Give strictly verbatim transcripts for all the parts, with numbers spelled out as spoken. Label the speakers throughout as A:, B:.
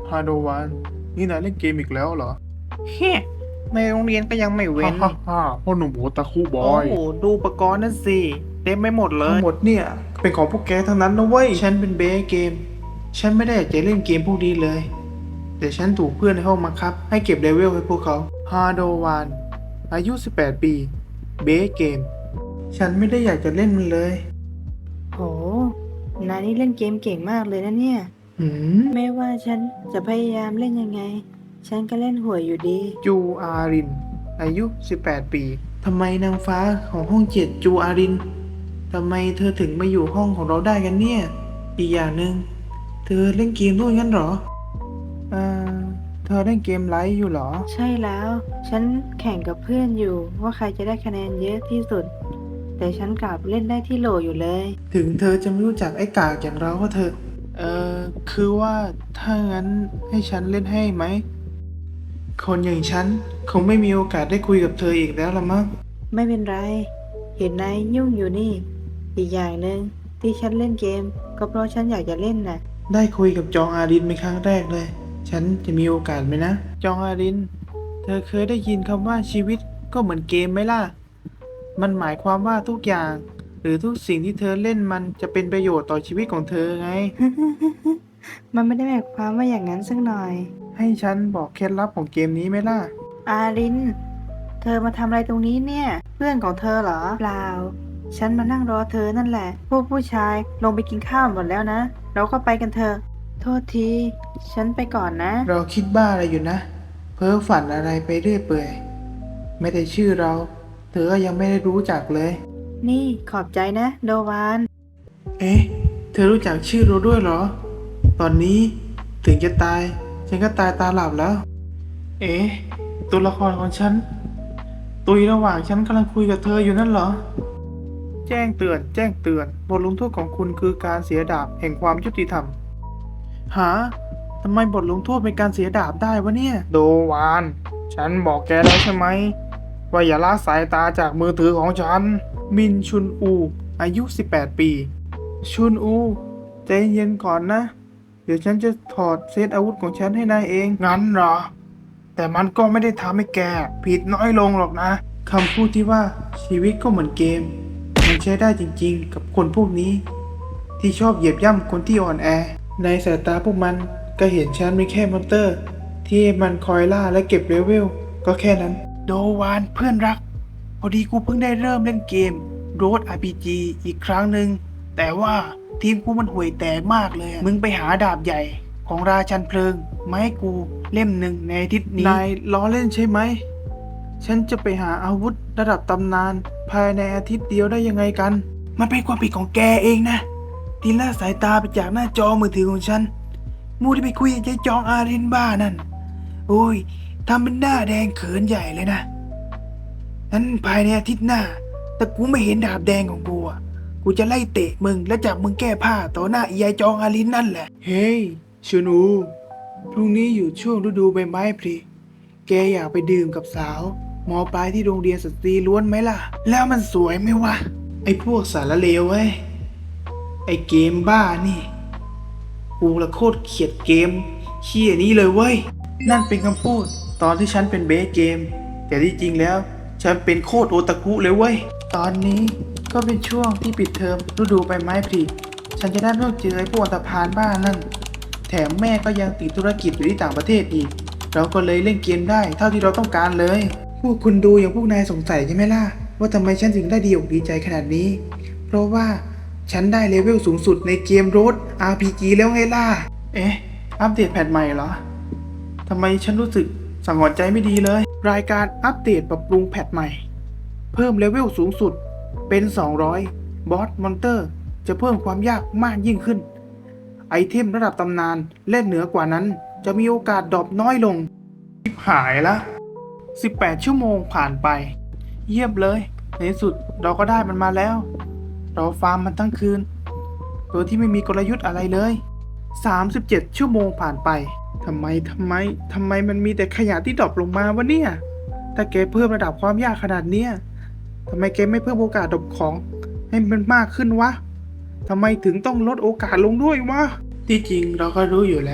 A: ฮาโดวานนี่นายเล่นเกมอีกแล้วเหรอ
B: เฮ้ในโรงเรียนก็ยังไม่เว้
A: ฮ่าน ฮ่าฮ่าพ่อหนุ่มโอตาคุบอ
B: โอ้
A: ย
B: ดูอุปกรณ์นั่นสิเต็มไปหมดเล
A: ทั้ง
B: ย
A: หมดเนี่ยเป็นของพวกแกทั้งนั้นนะเว้ย ฉันเป็นเบสเกม ฉันไม่ได้อยากจะเล่นเกมพวกนี้เลย แต่ฉันถูกเพื่อนในห้องบังคับ ให้เก็บเลเวลให้พวกเขา ฮาโดวานอายุสิบแปดปี เบสเกม ฉันไม่ได้อยากจะเล่นมันเลย
C: โห นายนี่เล่นเกมเก่งมากเลยนะเนี่ย
A: หืม
C: ไม่ว่าฉันจะพยายามเล่นยังไง ฉันก็เล่นห่วยอยู่ดี
A: จูอาริน อายุสิบแปดปี ทำไมนางฟ้าของห้องเจ็ดจูอาริน ทำไมเธอถึงมาอยู่ห้องของเราได้กันเนี่ย อีกอย่างหนึ่งเธอเล่นเกมด้วยงั้นเหรอเอ่อเธอเล่นเกมไลฟ์อยู่เหรอ
C: ใช่แล้ว ฉันแข่งกับเพื่อนอยู่ว่าใครจะได้คะแนนเยอะที่สุด แต่ฉันกลับเล่นได้ที่โหลอยู่เลย
A: ถึงเธอจะไม่รู้จักไอ้กากอย่างเราก็เถอะ เอ่อ คือว่าถ้างั้นให้ฉันเล่นให้ไหม คนอย่างฉันคงไม่มีโอกาสได้คุยกับเธออีกแล้วละมั้ง
C: ไม่เป็นไร เห็นนายยุ่งอยู่นี่ อีกอย่างหนึ่งที่ฉันเล่นเกม ก็เพราะฉันอยากจะเล่นน่ะ
A: ได้คุยกับจองอารินเป็นครั้งแรกเลย ฉันจะมีโอกาสไหมนะ จองอาริน เธอเคยได้ยินคำว่าชีวิตก็เหมือนเกมไหมล่ะ มันหมายความว่าทุกอย่าง หรือทุกสิ่งที่เธอเล่นมันจะเป็นประโยชน์ต่อชีวิตของเธอไง
C: มันไม่ได้หมายความว่าอย่างนั้นสักหน่อย
A: ให้ฉันบอกเคล็ดลับของเกมนี้ไหมล่ะ
C: อาริน เธอมาทำอะไรตรงนี้เนี่ย เพื่อนของเธอเหรอ เปล่า ฉันมานั่งรอเธอนั่นแหละ พวกผู้ชายลงไปกินข้าวหมดแล้วนะ เราก็ไปกันเถอะ โทษที ฉันไปก่อนนะ
A: เราคิดบ้าอะไรอยู่นะ เพ้อฝันอะไรไปเรื่อยเปื่อย ไม่ได้ชื่อเรา เธอก็ยังไม่ได้รู้จักเลย
C: นี่ขอบใจนะ โดวาน
A: เอ๊ะ เธอรู้จักชื่อเราด้วยเหรอ ตอนนี้ถึงจะตาย ฉันก็ตายตาหลับแล้ว เอ๊ะ ตัวละครของฉัน ตุยระหว่างฉันกำลังคุยกับเธออยู่นั่นเหรอ แจ้งเตือน แจ้งเตือน บทลงโทษของคุณคือการเสียดาบแห่งความยุติธรรม หา ทำไมบทลงโทษเป็นการเสียดาบได้วะเนี่ย โดวาน ฉันบอกแกแล้วใช่ไหม ว่าอย่าละสายตาจากมือถือของฉัน มินชุนอู อายุ สิบแปด ปี ชุนอู ใจเย็นก่อนนะ เดี๋ยวฉันจะถอดเซตอาวุธของฉันให้นายเอง งั้นเหรอ แต่มันก็ไม่ได้ทำให้แกผิดน้อยลงหรอกนะ คำพูดที่ว่าชีวิตก็เหมือนเกม มันใช้ได้จริงๆ กับคนพวกนี้ ที่ชอบเหยียบย่ำคนที่อ่อนแอ ในสายตาพวกมันก็เห็นฉันเป็นแค่มอนเตอร์ ที่มันคอยล่าและเก็บเลเวล ก็แค่นั้น โดวานเพื่อนรัก พอดีกูเพิ่งได้เริ่มเล่นเกม Road อาร์ พี จี อีกครั้งหนึ่ง แต่ว่าทีมกูมันห่วยแตกมากเลยอะมึงไปหาดาบใหญ่ของราชันเพลิงมาให้กูเล่มหนึ่งในอาทิตย์นี้ นายล้อเล่นใช่ไหม ฉันจะไปหาอาวุธระดับตำนาน ภายในอาทิตย์เดียวได้ยังไงกัน มันเป็นความผิดของแกเองนะ ที่ละสายตาไปจากหน้าจอมือถือของฉัน มูที่ไปคุยกับยายจองอารินบ้านั่น โอ้ยทำเป็นหน้าแดงเขินใหญ่เลยนะนั้นภายในอาทิตย์หน้า แต่กูไม่เห็นดาบแดงของกูอ่ะ กูจะไล่เตะมึงและจับมึงแก้ผ้าต่อหน้าอียายจองอารินนั่นแหละ เฮ้ยชูนู พรุ่งนี้อยู่ช่วงฤดูใบไม้ผลิ แกอยากไปดื่มกับสาวมอปลายที่โรงเรียนสตรีล้วนไหมล่ะ แล้วมันสวยไหมวะ ไอ้พวกสารเลวเว้ย ไอ้เกมบ้านี่ กูละโคตรเกลียดเกมเขี้ยนี้เลยเว้ย นั่นเป็นคำพูดตอนที่ฉันเป็นเบสเกม แต่ที่จริงแล้ว ฉันเป็นโคตรโอตาคุเลยเว้ย ตอนนี้ก็เป็นช่วงที่ปิดเทอมฤดูใบไม้ผลิ ฉันจะได้ไม่ต้องเจอไอ้พวกอันธพาลบ้านั่น แถมแม่ก็ยังติดธุรกิจอยู่ที่ต่างประเทศอีก เราก็เลยเล่นเกมได้เท่าที่เราต้องการเลย พวกคุณดูอย่างพวกนายสงสัยใช่ไหมล่ะ ว่าทำไมฉันถึงได้ดีอกดีใจขนาดนี้ เพราะว่าฉันได้เลเวลสูงสุดในเกม Road อาร์ พี จี แล้วไงล่ะ เอ๊ะ อัปเดตแพทใหม่เหรอ ทำไมฉันรู้สึกสังหรณ์ใจไม่ดีเลย รายการอัปเดตปรับปรุงแพทใหม่ เพิ่มเลเวลสูงสุดเป็น สองร้อย บอสมอนเตอร์จะเพิ่มความยากมากยิ่งขึ้น ไอเทมระดับตำนานและเหนือกว่านั้นจะมีโอกาสดรอปน้อยลงชิบหายละสิบแปดชั่วโมงผ่านไป เยี่ยมเลย ในที่สุดเราก็ได้มันมาแล้ว เราฟาร์มมันทั้งคืน โดยที่ไม่มีกลยุทธ์อะไรเลย สามสิบเจ็ด ชั่วโมงผ่านไปทำไมทำไมทำไมมันมีแต่ขยะที่ดรอปลงมาวะเนี่ย ถ้าแกเพิ่มระดับความยากขนาดเนี้ยทำไมแกไม่เพิ่มโอกาสดรอปของให้มันมากขึ้นวะทำไมถึงต้องลดโอกาสลงด้วยวะ ที่จริงเราก็รู้อยู่แล้ว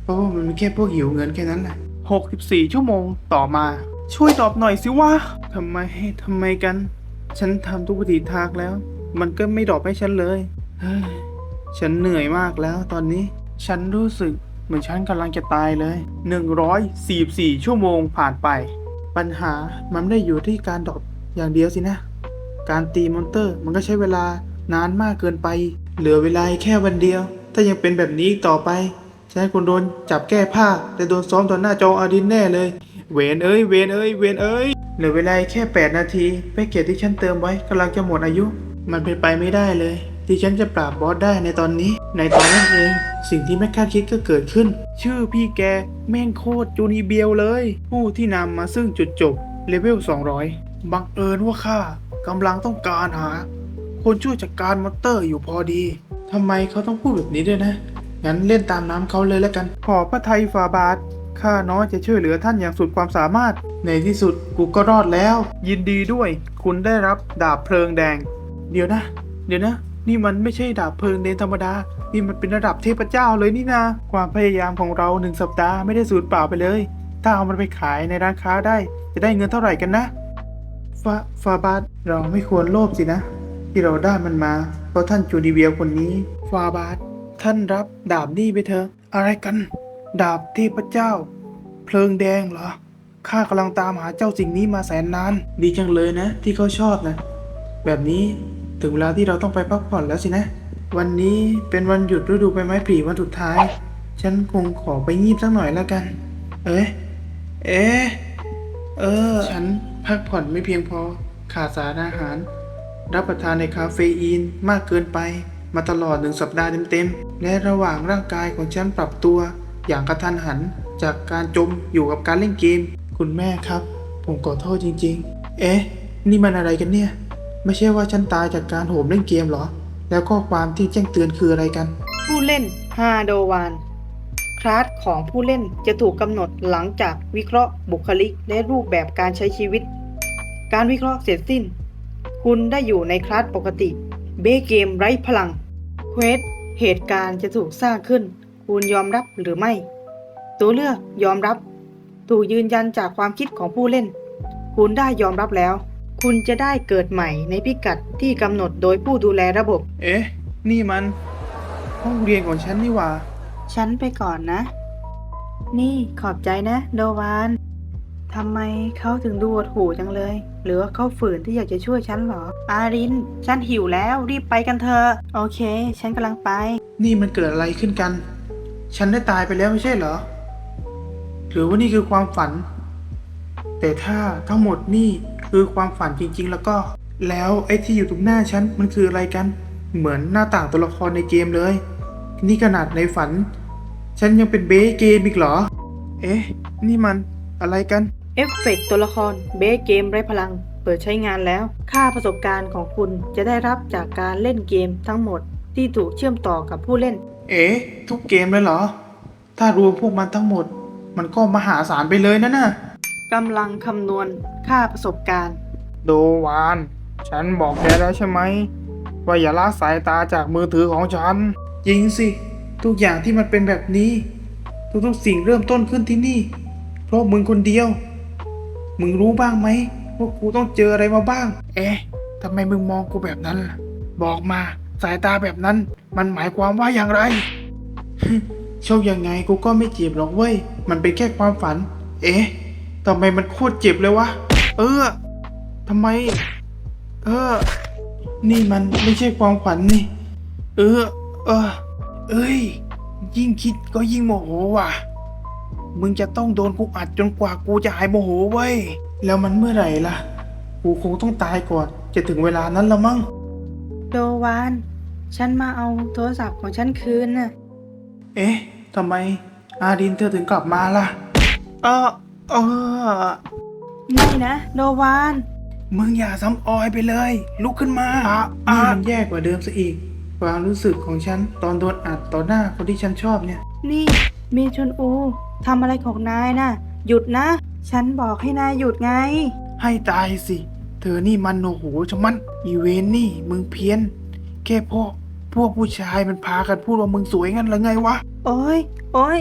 A: เพราะว่ามันเป็นแค่พวกหิวเงินแค่นั้นแหละ
B: หกสิบสี่ชั่วโมงต่อมา ช่วยตอบหน่อยสิว่า
A: ทำไมทำไมกัน ฉันทำทุกวิถีทางแล้ว มันก็ไม่ดรอปให้ฉันเลยเฮ้ยฉันเหนื่อยมากแล้วตอนนี้ ฉันรู้สึกเหมือนฉันกำลังจะตายเลย
B: หนึ่งร้อยสี่สิบสี่ชั่วโมงผ่านไป
A: ปัญหามันไม่ได้อยู่ที่การดรอปอย่างเดียวสินะ การตีมอนเตอร์มันก็ใช้เวลานานมากเกินไป เหลือเวลาแค่วันเดียว ถ้ายังเป็นแบบนี้อีกต่อไป ฉันคงโดนจับแก้ผ้าและโดนซ้อมต่อหน้าจออาดินแน่เลย
B: เวนเอ้ย เวนเอ้ย เวนเอ้ย
A: เหลือเวลาแค่แปดนาทีแพ็กเกจที่ฉันเติมไว้กำลังจะหมดอายุ มันเป็นไปไม่ได้เลย ที่ฉันจะปราบบอสได้ในตอนนี้ ในตอนนั้นเอง สิ่งที่ไม่คาดคิดก็เกิดขึ้น
B: ชื่อพี่แกแม่งโคตรจูนีเบียวเลย ผู้ที่นำมาซึ่งจุดจบเลเวลสองร้อยบังเอิญว่าข้ากำลังต้องการหา คนช่วยจัดการมอนเตอร์อยู่พอดี
A: ทำไมเขาต้องพูดแบบนี้ด้วยนะ งั้นเล่นตามน้ำเขาเลยแล้วกัน
B: ขอพระไทยฝ่าบาท ข้าน้อยจะช่วยเหลือท่านอย่างสุดความสามารถ
A: ในที่สุดกูก็รอดแล้ว
B: ยินดีด้วย คุณได้รับดาบเพลิงแดง
A: เดี๋ยวนะ เดี๋ยวนะ นี่มันไม่ใช่ดาบเพลิงเดนธรรมดา นี่มันเป็นระดับเทพเจ้าเลยนี่นา
B: ความพยายามของเราหนึ่งสัปดาห์ไม่ได้สูญเปล่าไปเลย ถ้าเอามันไปขายในร้านค้าได้ จะได้เงินเท่าไหร่กันนะ
A: ฟาฟาบาทเราไม่ควรโลภสินะ ที่เราได้มันมา เพราะท่านจูดีเวียคนนี้ ฟาบาทท่านรับดาบนี่ไปเถอะ
B: อะไรกัน ดาบเทพเจ้า เพลิงแดงเหรอ ข้ากำลังตามหาเจ้าสิ่งนี้มาแสนนาน
A: ดีจังเลยนะ ที่เขาชอบนะ แบบนี้ถึงเวลาที่เราต้องไปพักผ่อนแล้วสินะ วันนี้เป็นวันหยุดฤดูใบไม้ผลิวันสุดท้าย ฉันคงขอไปงีบสักหน่อยแล้วกัน เอ๊ะ เอ๊ะ เออ ฉันพักผ่อนไม่เพียงพอ ขาดสารอาหาร รับประทานในคาเฟอีนมากเกินไป มาตลอดหนึ่งสัปดาห์เต็มๆ และระหว่างร่างกายของฉันปรับตัว อย่างกระทันหันจากการจมอยู่กับการเล่นเกม คุณแม่ครับ ผมขอโทษจริงๆ เอ๊ะ นี่มันอะไรกันเนี่ย ไม่ใช่ว่าฉันตายจากการโหมเล่นเกมเหรอ แล้วข้อความที่แจ้งเตือนคืออะไรกัน
C: ผู้เล่นฮาโดวานคลาสของผู้เล่นจะถูกกำหนดหลังจากวิเคราะห์บุคลิกและรูปแบบการใช้ชีวิต การวิเคราะห์เสร็จสิ้น คุณได้อยู่ในคลาสปกติเบเกมไร้พลังเควสเหตุการณ์จะถูกสร้างขึ้น คุณยอมรับหรือไม่ ตัวเลือกยอมรับ ถูกยืนยันจากความคิดของผู้เล่น คุณได้ยอมรับแล้ว คุณจะได้เกิดใหม่ในพิกัดที่กำหนดโดยผู้ดูแลระบบ
B: เอ๊ะ นี่มันห้องเรียนของฉันนี่หว่า
C: ฉันไปก่อนนะ นี่ขอบใจนะโดวานทำไมเขาถึงดูหดหู่จังเลย หรือว่าเขาฝืนที่อยากจะช่วยฉันเหรอ อาริน ฉันหิวแล้วรีบไปกันเถอะ โอเค ฉันกำลังไป
A: นี่มันเกิดอะไรขึ้นกัน ฉันได้ตายไปแล้วไม่ใช่เหรอ หรือว่านี่คือความฝัน แต่ถ้าทั้งหมดนี่คือความฝันจริงๆ แล้วก็ แล้วไอ้ที่อยู่ตรงหน้าฉันมันคืออะไรกัน เหมือนหน้าต่างตัวละครในเกมเลย นี่ขนาดในฝัน ฉันยังเป็นเบสเกมอีกเหรอ
B: เอ๊ะ นี่มันอะไรกัน
C: เอฟเฟกต์ตัวละครเบสเกมไร้พลัง เปิดใช้งานแล้ว ค่าประสบการณ์ของคุณจะได้รับจากการเล่นเกมทั้งหมดที่ถูกเชื่อมต่อกับผู้เล่น
A: เอ๊ะ ทุกเกมเลยเหรอ ถ้ารวมพวกมันทั้งหมด มันก็มหาศาลไปเลยนะน่ะ
C: กำลังคำนวณค่าประสบการณ์
B: โดวาน ฉันบอกแกแล้วใช่ไหม ว่าอย่าละสายตาจากมือถือของฉัน
A: จริงสิ ทุกอย่างที่มันเป็นแบบนี้ ทุกๆสิ่งเริ่มต้นขึ้นที่นี่ เพราะมึงคนเดียว มึงรู้บ้างไหมว่ากูต้องเจออะไรมาบ้าง
B: เอ๊ะ ทำไมมึงมองกูแบบนั้นล่ะ บอกมา สายตาแบบนั้น มันหมายความว่าอย่างไร
A: โชคยังไงกูก็ไม่เจ็บหรอกเว้ย มันเป็นแค่ความฝัน เอ๊ะทำไมมันโคตรเจ็บเลยวะ
B: เออ ทำไม เออ
A: นี่มันไม่ใช่ความฝันนี่
B: เออ เออ เอ้ย ยิ่งคิดก็ยิ่งโมโหว่ะ มึงจะต้องโดนกูอัดจนกว่ากูจะหายโมโหเว้ย
A: แล้วมันเมื่อไหร่ล่ะ กูคงต้องตายก่อน จะถึงเวลานั้นแล้วมั้ง
C: โดวาน ฉันมาเอาโทรศัพท์ของฉันคืนน่ะ
A: เอ๊ะทำไมอาดินเธอถึงกลับมาล่ะ
B: เออ เออ
C: ไม่นะ โดวาน
B: มึงอย่าซ้ำออยไปเลย ลุกขึ้นมา
A: อ่ะ
B: อ่ะ
A: นี่มันแย่กว่าเดิมซะอีก ความรู้สึกของฉันตอนโดนอัดต่อหน้าคนที่ฉันชอบเนี่ย
C: นี่เมชนอูทำอะไรของนายนะหยุดนะ ฉันบอกให้นายหยุดไง
B: ให้ตายสิ เธอนี่มันโอ้โหชะมัน อีเวนนี่ มึงเพี้ยน แค่พวกพวกผู้ชายมันพากันพูดว่ามึงสวยงั้นหรือไงวะ
C: โอ้ยโอ้ย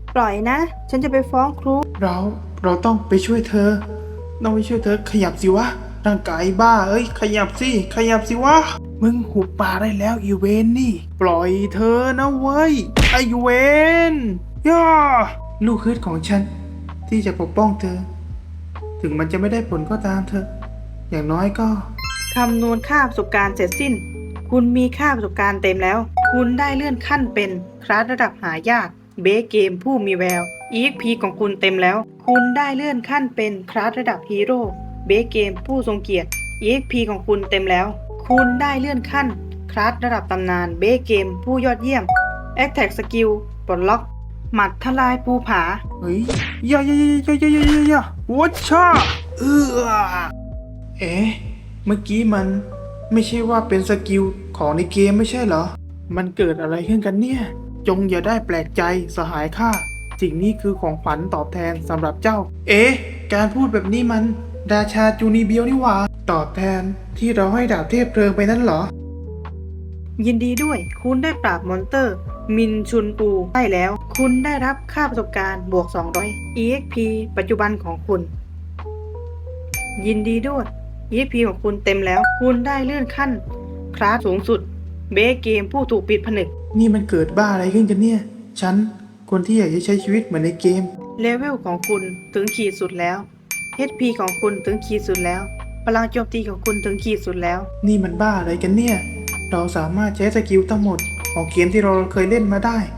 C: ปล่อยนะ ฉันจะไปฟ้องครู
A: เราเราต้องไปช่วยเธอ ต้องไปช่วยเธอขยับสิวะร่างกายบ้าเอ้ยขยับสิขยับสิวะ
B: มึงหุบปากได้แล้วอีเวนนี่ ปล่อยเธอนะเว้ย ไอเวนย่า
A: ลูกฮึดของฉัน ที่จะปกป้องเธอ ถึงมันจะไม่ได้ผลก็ตามเธอ อย่างน้อยก็
C: คำนวณค่าประสบการณ์เสร็จสิ้น คุณมีค่าประสบการณ์เต็มแล้ว คุณได้เลื่อนขั้นเป็นคลาสระดับหายาก เบสเกมผู้มีแวว อี เอ็กซ์ พี ของคุณเต็มแล้ว คุณได้เลื่อนขั้นเป็นคลาสระดับฮีโร่ เบสเกมผู้ทรงเกียรติ อี เอ็กซ์ พี ของคุณเต็มแล้ว คุณได้เลื่อนขั้นคลาสระดับตำนาน เบสเกมผู้ยอดเยี่ยม Attack Skill ปลดล็อก หมัดทลายภูผา
B: เฮ้ยอย่าอย่าอย่าอย่าอย่าอย่าอย่าอย่าวัชชาเออ
A: เอ๊ะ เมื่อกี้มันไม่ใช่ว่าเป็นสกิลของในเกมไม่ใช่เหรอ
B: มันเกิดอะไรขึ้นกันเนี่ย จงอย่าได้แปลกใจสหายข้า สิ่งนี้คือของขวัญตอบแทนสำหรับเจ้า
A: เอ๊ะ การพูดแบบนี้มันราชาจูนีเบียวนี่หว่า ตอบแทนที่เราให้ดาบเทพเพลิงไปนั่นเหรอ
C: ยินดีด้วย คุณได้ปราบมอนเตอร์ มินชุนปูได้แล้ว คุณได้รับค่าประสบการณ์บวก สองร้อย อี เอ็กซ์ พี ปัจจุบันของคุณ ยินดีด้วย อี เอ็กซ์ พี ของคุณเต็มแล้ว คุณได้เลื่อนขั้น คลาสสูงสุด เบสเกมผู้ถูกปิดผนึก
A: นี่มันเกิดบ้าอะไรขึ้นกันเนี่ย ฉัน คนที่อยากจะใช้ชีวิตเหมือนในเกม
C: เลเวลของคุณถึงขีดสุดแล้ว เอช พี ของคุณถึงขีดสุดแล้ว พลังโจมตีของคุณถึงขีดสุดแล้ว
A: นี่มันบ้าอะไรกันเนี่ย เราสามารถใช้สกิลทั้งหมดของเกมที่เราเคยเล่นมาได้